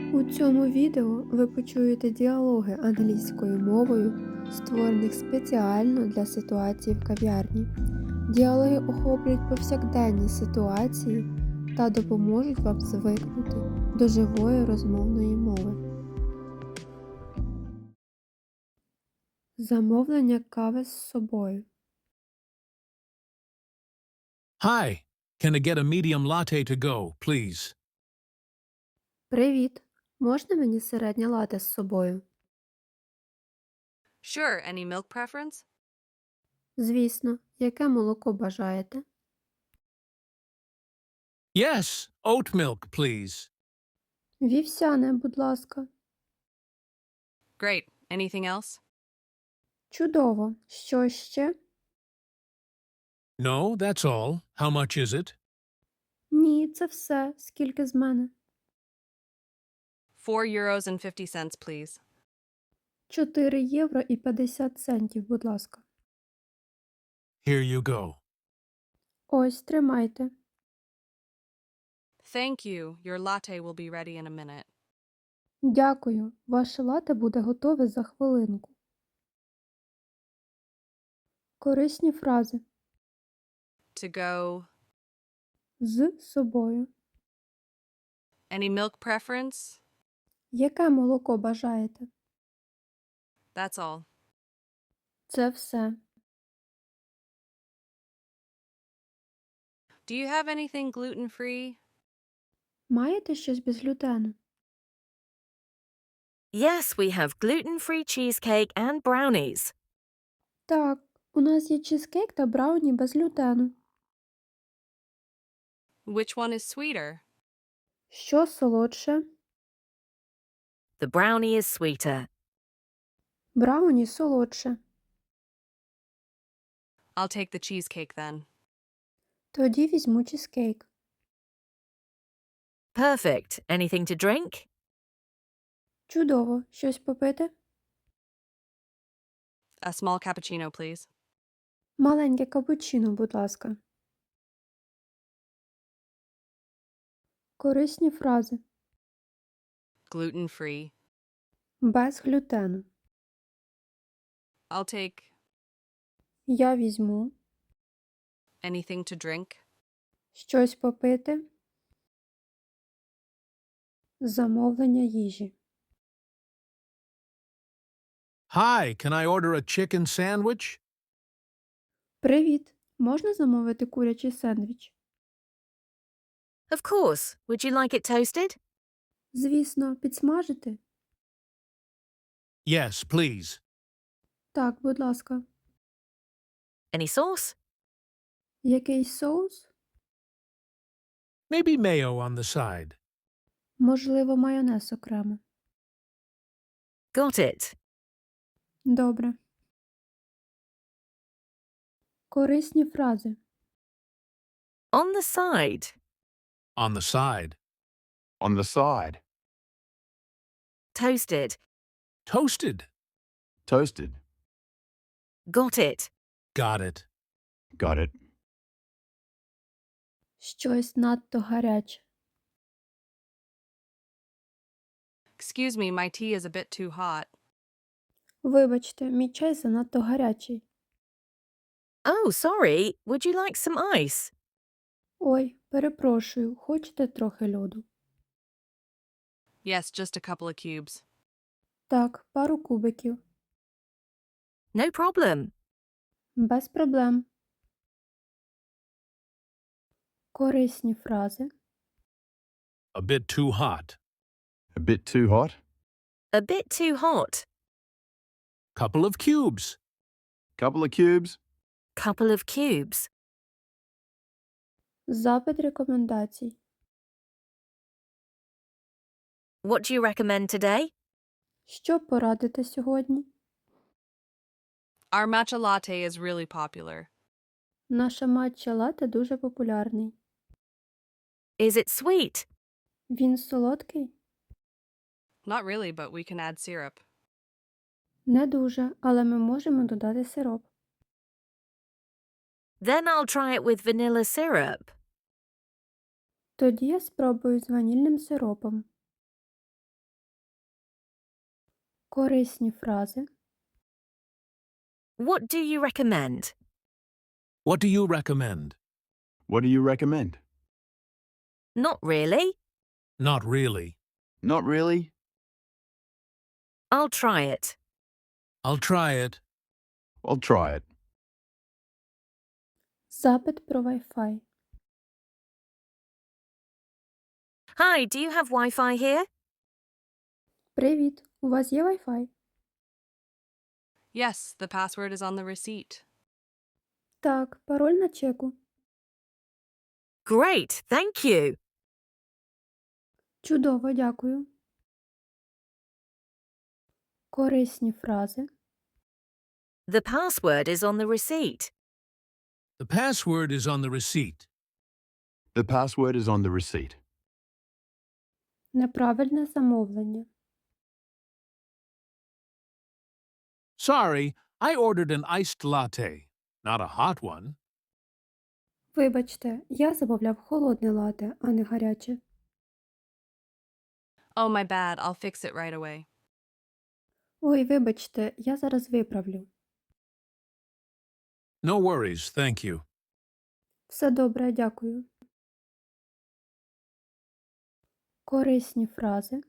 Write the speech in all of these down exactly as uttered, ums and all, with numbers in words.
У цьому відео ви почуєте діалоги англійською мовою, створених спеціально для ситуацій в кав'ярні. Діалоги охоплюють повсякденні ситуації та допоможуть вам звикнути до живої розмовної мови. Замовлення кави з собою. Hi, can I get a medium latte to go, please? Привіт! Можна мені середнє лате з собою? Sure, any milk preference? Звісно, яке молоко бажаєте? Yes, oat milk, please. Вівсяне, будь ласка. Great. Anything else? Чудово! Що ще? No, that's all. How much is it? Ні, це все. Скільки з мене? Four euros and fifty cents, please. чотири євро і п'ятдесят центів, будь ласка. Here you go. Ось, тримайте. Thank you. Your latte will be ready in a minute. Дякую. Ваше лате буде готове за хвилинку. Корисні фрази. To go. З собою. Any milk preference? Яке молоко бажаєте? That's all. Це все. Do you have anything gluten-free? Маєте щось без глютену? Yes, we have gluten-free cheesecake and brownies. Так, у нас є чизкейк та брауні без глютену. Which one is sweeter? Що солодше? The brownie is sweeter. Брауні солодше. I'll take the cheesecake then. Тоді візьму чизкейк. Perfect. Anything to drink? Чудово. Щось попити? A small cappuccino, please. Маленьке капучино, будь ласка. Корисні фрази. Gluten-free. Без глютену. I'll take Я візьму. anything to drink. Щось попити. Замовлення їжі. Hi, can I order a chicken sandwich? Привіт! Можна замовити курячий сендвіч? Of course. Would you like it toasted? Звісно, підсмажити? Yes, please. Так, будь ласка. Any sauce? Якийсь соус? Maybe mayo on the side. Можливо, майонез окремо. Got it. Добре. Корисні фрази. On the side. On the side. On the side. Toasted. Toasted. Toasted. Got it. Got it. Got it. Щось надто гаряче. Excuse me, my tea is a bit too hot. Вибачте, мій чай занадто гарячий. Oh, sorry. Would you like some ice? Ой, перепрошую, хочете трохи льоду? Yes, just a couple of cubes. Так, пару кубиків. No problem. Без проблем. Корисні фрази. A bit too hot. A bit too hot. A bit too hot. Couple of cubes. Couple of cubes. Couple of cubes. Запит рекомендацій. What do you recommend today? Що порадите сьогодні? Our matcha latte is really popular. Наша матча лате дуже популярний. Is it sweet? Він солодкий? Not really, but we can add syrup. Не дуже, але ми можемо додати сироп. Then I'll try it with vanilla syrup. Тоді я спробую з ванільним сиропом. Корисні фрази. What do you recommend? What do you recommend? What do you recommend? Not really. Not really. Not really. I'll try it. I'll try it. I'll try it. Запит про Wi-Fi. Hi, do you have Wi-Fi here? Привіт, у вас є Wi-Fi? Yes, the password is on the receipt. Так, пароль на чеку. Great, thank you. Чудово, дякую. Корисні фрази. The password is on the receipt. The password is on the receipt. The password is on the receipt. Неправильне замовлення. Sorry, I ordered an iced latte, not a hot one. Вибачте, я замовляв холодне лате, а не гаряче. Oh, my bad. I'll fix it right away. Ой, вибачте, я зараз виправлю. No worries, thank you. Все добре, дякую. Корисні фрази.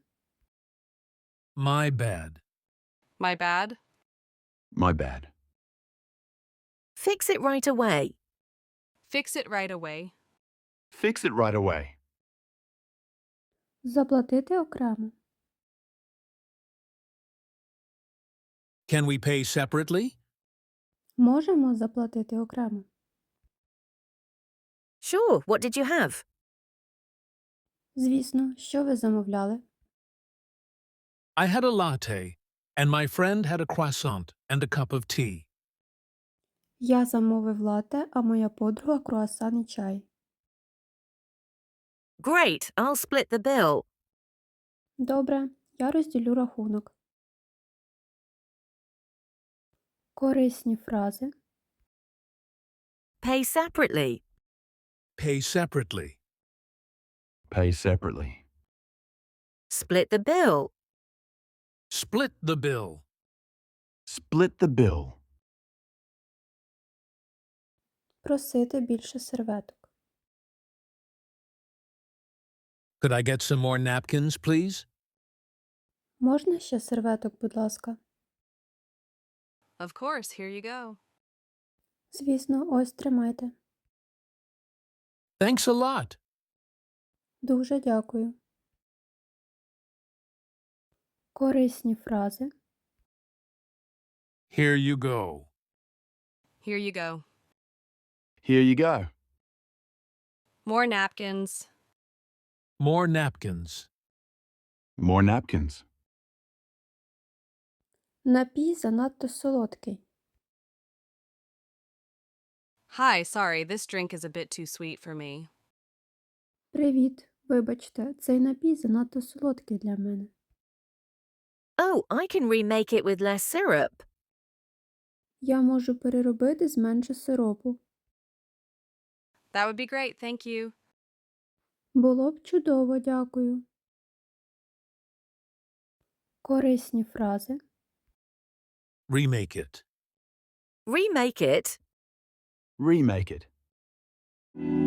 My bad. My bad? My bad. Fix it right away. Fix it right away. Fix it right away. Заплатити окремо. Can we pay separately? Можемо заплатити окремо. Sure, what did you have? Звісно, що ви замовляли? I had a latte, and my friend had a croissant and a cup of tea. Я замовив лате, а моя подруга круасан і чай. Great, I'll split the bill. Добре, я розділю рахунок. Корисні фрази. Pay separately. Pay separately. Pay separately. Split the bill. Split the bill. Split the bill. Просити більше серветок. Could I get some more napkins, please? Можна ще серветок, будь ласка? Of course, here you go. Звісно, ось тримайте. Thanks a lot. Дуже дякую. Корисні фрази. Here you go. Here you go. Here you go. More napkins. More napkins. More napkins. Напій занадто солодкий. Hi, sorry, this drink is a bit too sweet for me. Привіт, вибачте, цей напій занадто солодкий для мене. Oh, I can remake it with less syrup. Я можу переробити з менше сиропу. That would be great, thank you. Було б чудово, дякую. Корисні фрази. Remake it. Remake it. Remake it.